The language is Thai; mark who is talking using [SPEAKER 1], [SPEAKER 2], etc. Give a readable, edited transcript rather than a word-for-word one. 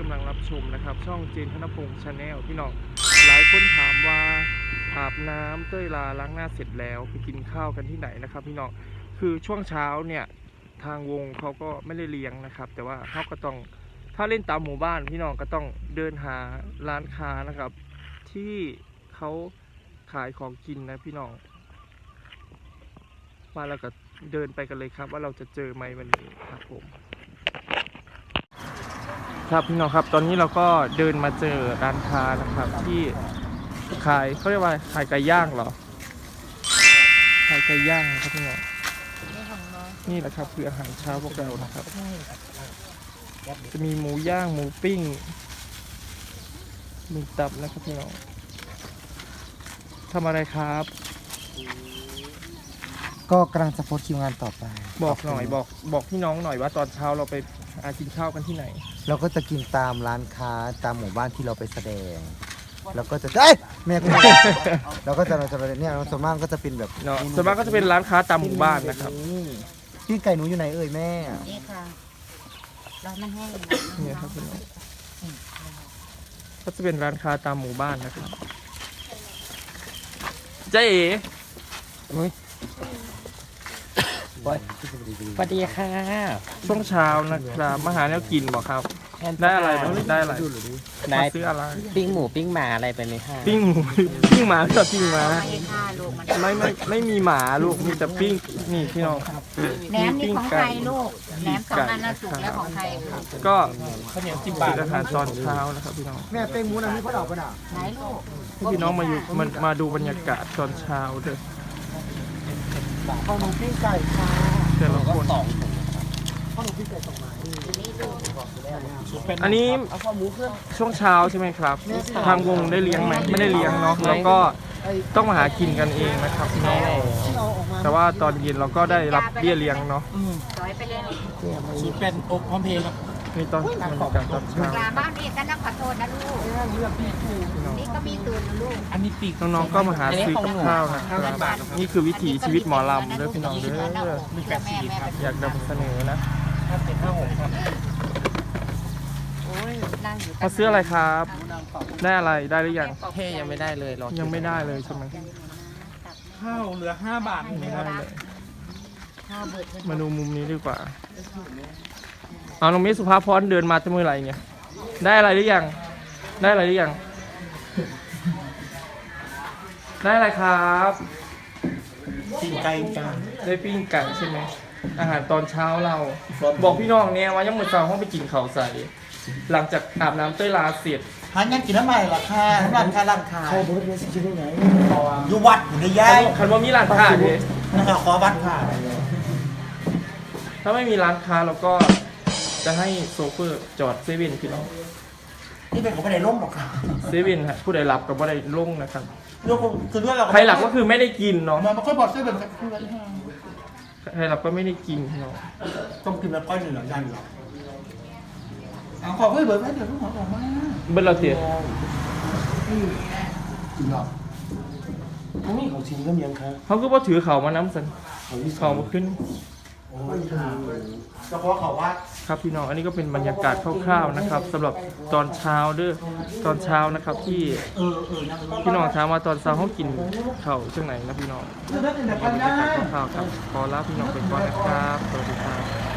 [SPEAKER 1] ำลังรับชมนะครับช่องเจนธนพงษ์ชาแนลพี่น้องหลายคนถามว่าอาบน้ำเต้ยลาล้างหน้าเสร็จแล้วไปกินข้าวกันที่ไหนนะครับพี่น้องคือช่วงเช้าเนี่ยทางวงเขาก็ไม่ได้เลี้ยงนะครับแต่ว่าเขาก็ต้องถ้าเล่นตามหมู่บ้านพี่น้องก็ต้องเดินหาร้านค้านะครับที่เขาขายของกินนะพี่น้องมาแล้วก็เดินไปกันเลยครับว่าเราจะเจอไหมวันนี้ครับผมครับพี่น้องครับตอนนี้เราก็เดินมาเจอร้านค้านะครับที่ขายเขาเรียกว่าขายไก่ย่างเหรอขายไก่ย่างครับพี่น้องนี่แหละครับคืออาหารเช้าพวกเรานะครับจะมีหมูย่างหมูปิ้งมีตับนะครับพี่น้องทำอะไรครับ
[SPEAKER 2] ก็กำลังจะโพสต์คิวงานต่อไป
[SPEAKER 1] บอกหน่อยบอกพี่น้องหน่อยว่าตอนเช้าเราไปกินข้าวกันที่ไหน
[SPEAKER 2] เราก็จะกินตามร้านค้าตามหมู่บ้านที่เราไปแสดงแล้วก็จะเอ้ยแม่ก็เราก็จะเนี่ยส่วนมากก็จะเป็นแบบ
[SPEAKER 1] เนาะส่วนมากก็จะเป็นร้านค้าตามหมู่บ้านนะครับ
[SPEAKER 2] พี่ไก่หนูอยู่ไหนเอ่ยแม่
[SPEAKER 3] นี่ค่ะเราไม่ให้
[SPEAKER 1] เนี่ยครับพี่น้องก็จะเป็นร้านค้าตามหมู่บ้านนะครับเจ๊
[SPEAKER 4] สวัสดีค่ะ
[SPEAKER 1] ช่วงเช้านะครับมาหาแนวกินบอกครับได้อะไรบ้างได้อะไรมาซื้ออะไร
[SPEAKER 4] ปิ้งหมูปิ้งหมาอะไรไปไหมคะ
[SPEAKER 1] ปิ้งหมูปิ้งหมาก็ปิ้งหมาไม่มีหมาลูกมีแต่ปิ้งนี่พี่น้อง
[SPEAKER 3] แหนมนี่ของใครลูกแหนมสองอันน่ะสุกแล้วของใคร
[SPEAKER 1] ก็ข้าวเหนียว10 บาทอาหารตอนเช้านะครับพี่น้อง
[SPEAKER 2] แม่เป้งหมูนะนี่เขาดอกปะน่ะ
[SPEAKER 3] ไหนลูก
[SPEAKER 1] พี่น้องมาดูบรรยากาศตอนเช้าเด้อ
[SPEAKER 2] ข้าวหนูปิ้งไก่ค่ะ
[SPEAKER 1] แต่ละคน
[SPEAKER 2] ข้าวหนูปิ้งไก่2 ไม้
[SPEAKER 1] อันนี้ช่วงเช้าใช่ไหมครับทางวงได้เลี้ยงไหมไม่ได้เลี้ยงเนาะแล้วก็ต้องมาหากินกันเองนะครับพี่น้องแต่ว่าตอนเย็นเราก็ได้รับเบี้ยเลี้ยงเนาะ
[SPEAKER 3] ต่อยไปเลย
[SPEAKER 4] สูตรเป็นอบพร้อมเพลงครับ
[SPEAKER 1] นี่ตอนบรรยากาศตอนเช้า
[SPEAKER 3] บ้านนี่ก็ต้องขอโทษนะลูกนี่ก็มีตูนนะลูก
[SPEAKER 4] อันนี้ปีก
[SPEAKER 1] น้องๆก็มาหาซื้อข้าวนะครับนี่คือวิถีชีวิตหมอลำเด้อพี่น้องเด้ออยากนำเสนอนะมาซื้ออะไรครับได้อะไรได้หรือยัง
[SPEAKER 4] เท่ยังไม่ได้เลยรอ
[SPEAKER 1] ยังไม่ได้เลยใช่ไหม
[SPEAKER 4] ข้าวเหลือ5 บาท
[SPEAKER 1] ไม่ได้เลยมาดูมุมนี้ดีกว่าเอาน้องมิสุภาพรเดินมาจะมืออะไรเนี่ยได้อะไรหรือยังได้อะไรหรือยังได้อะไรครับ
[SPEAKER 2] ปิ้งไก่จ้า
[SPEAKER 1] ได้ปิ้งไก่ใช่ไหมอาหารตอนเช้าเราบอกพี่น้องเนี่ยว่ายังมื้อเช้าห้องไปกินข้าวใส่หลังจากอาบน้ำเต้ยลาเสร็จ
[SPEAKER 2] หายังกินน้ำใหม่หรอค่ะร้านค้าเขาบอกว่าจะได้ไหนอยู่วัดอยู่ในย่าย
[SPEAKER 1] คันว่ามีร้านค้าดิ
[SPEAKER 2] นะครับขอวัดค่ะ
[SPEAKER 1] ถ้าไม่มีร้านค้าเราก็จะให้โซเฟอร์จอดเซเว่นพี่น้อง
[SPEAKER 2] นี่เป็นของไม่ได้ล่มหรอกค่ะ
[SPEAKER 1] เซเว่นฮะผู้ใดหลับกับผู้ใดล่งนะครับ
[SPEAKER 2] เรื่องคือเรื่องเรา
[SPEAKER 1] ใครหลับก็คือไม่ได้กินเนาะ
[SPEAKER 2] มันค่อยบอกเซเว่น
[SPEAKER 1] ใครหลับก็ไม่ได้กินเนาะ
[SPEAKER 2] ต้องกินแบบก้อยหนึ่งหรอย่างหรอเอาขอเพื่อเบิร์ดไหมเดี๋ยวลูกหมอออกมา
[SPEAKER 1] เบิร์ดเราเสีย
[SPEAKER 2] จริงหรอเขามีของชิ้นก็มีครับ
[SPEAKER 1] เขาก็ว่าถือเขามาน้ำสันเขามาขึ้น
[SPEAKER 2] โอ้ยเฉพาะเขาว่า
[SPEAKER 1] ครับพี่น้องอันนี้ก็เป็นบรรยากาศคร่าวๆนะครับสำหรับตอนเช้าเด้อตอนเช้านะครับที่พี่น้องถามมาตอนเช้าเขากินข้าวช่วงไหนนะพี่น้องบรรยากาศคร่าวๆครับขอลาพี่น้องไปก่อนนะครับสวัสดีครับ